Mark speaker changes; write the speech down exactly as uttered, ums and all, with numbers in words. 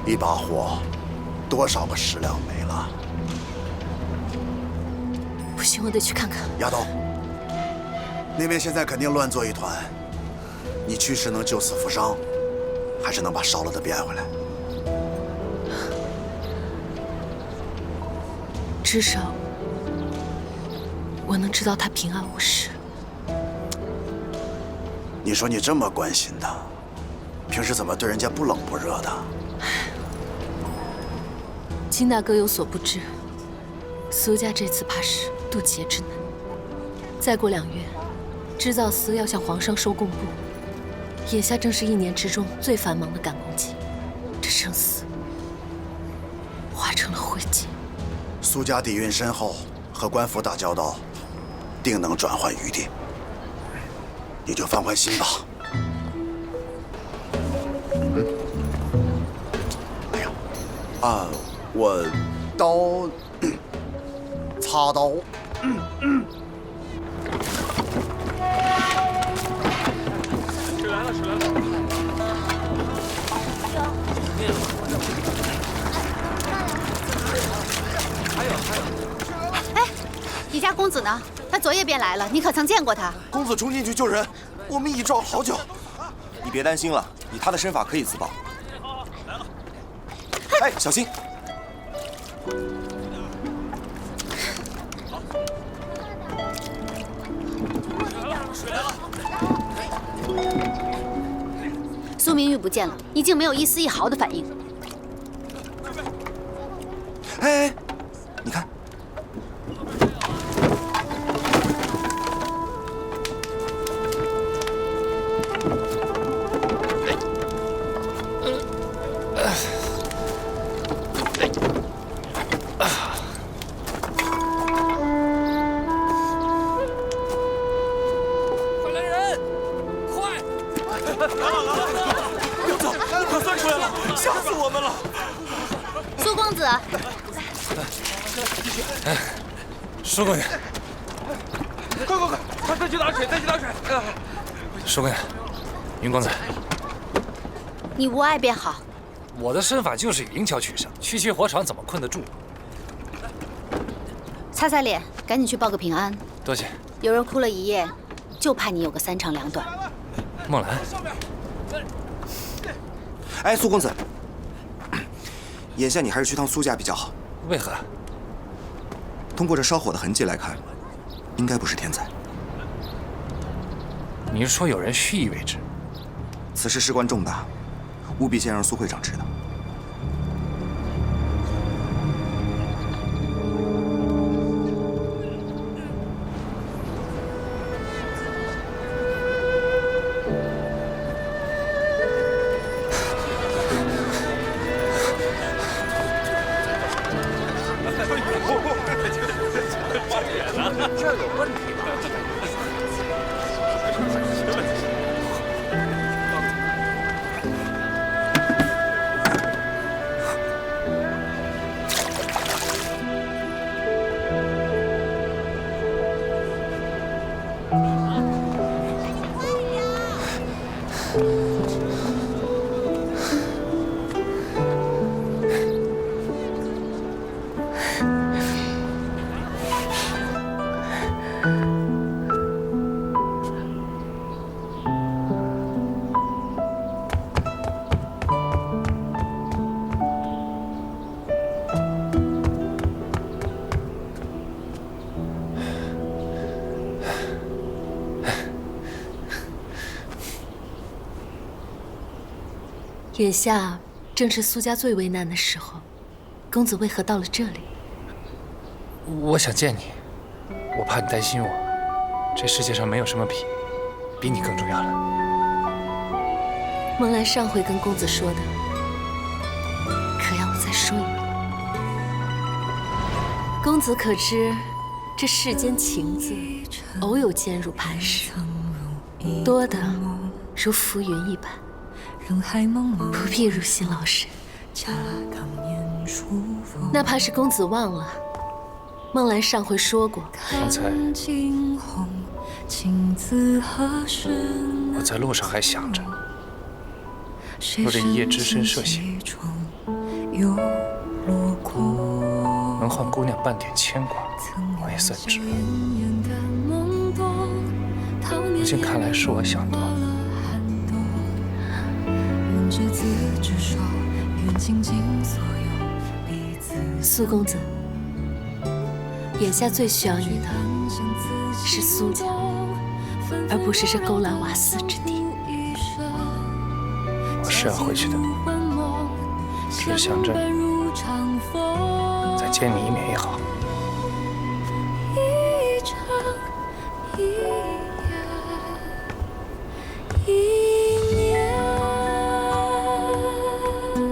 Speaker 1: 一把火，多少个食粮没了？
Speaker 2: 不行，我得去看看。
Speaker 1: 丫头，那边现在肯定乱作一团，你去是能救死扶伤，还是能把烧了的变回来？
Speaker 2: 至少我能知道他平安无事。
Speaker 1: 你说你这么关心他，平时怎么对人家不冷不热的？
Speaker 2: 金大哥有所不知，苏家这次怕是渡劫之难。再过两月，织造司要向皇上收贡布，眼下正是一年之中最繁忙的赶工期，这生死化成了灰烬。
Speaker 1: 苏家底蕴深厚，和官府打交道，定能转换余地。你就放宽心吧。嗯。哎呀，啊，我刀，擦刀。嗯嗯。
Speaker 3: 水来了，水来了。还有还有。
Speaker 4: 哎，你家公子呢？他昨夜便来了，你可曾见过他？
Speaker 5: 公子冲进去救人，我们已找了好久。你别担心了，以他的身法可以自保。哎，小心！
Speaker 3: 水来了！
Speaker 4: 苏明玉不见了，你竟没有一丝一毫的反应。
Speaker 5: 哎哎，你看。
Speaker 6: 舒姑娘，
Speaker 3: 快快快，快再去打水，再去打水！
Speaker 6: 舒姑娘，云公子，
Speaker 4: 你无碍便好。
Speaker 6: 我的身法就是灵巧取胜，区区火场怎么困得住？
Speaker 4: 擦擦脸，赶紧去报个平安。
Speaker 6: 多谢。
Speaker 4: 有人哭了一夜，就怕你有个三长两短。
Speaker 6: 梦兰，
Speaker 5: 哎，苏公子，眼下你还是去趟苏家比较好。
Speaker 6: 为何？
Speaker 5: 通过这烧火的痕迹来看，应该不是天灾。
Speaker 6: 你是说有人蓄意为之？
Speaker 5: 此事事关重大，务必先让苏会长知道。
Speaker 3: 这有问题吧？
Speaker 2: 眼下正是苏家最为难的时候，公子为何到了这里？
Speaker 6: 我想见你，我怕你担心我。这世界上没有什么比比你更重要了。
Speaker 2: 梦兰上回跟公子说的，可要我再说一遍？公子可知，这世间情字，偶有坚如磐石，多的如浮云一般。不必如新老身，哪怕是公子忘了，梦兰上回说过，
Speaker 6: 刚才我在路上还想着，若这一夜只身涉险， 能换姑娘半点牵挂，我也算值。如今看来是我想多了。
Speaker 2: 苏公子，眼下最需要你的是苏家，而不是这勾栏瓦肆之地。
Speaker 6: 我是要回去的，只是想着再见你一面也好。
Speaker 2: 一场一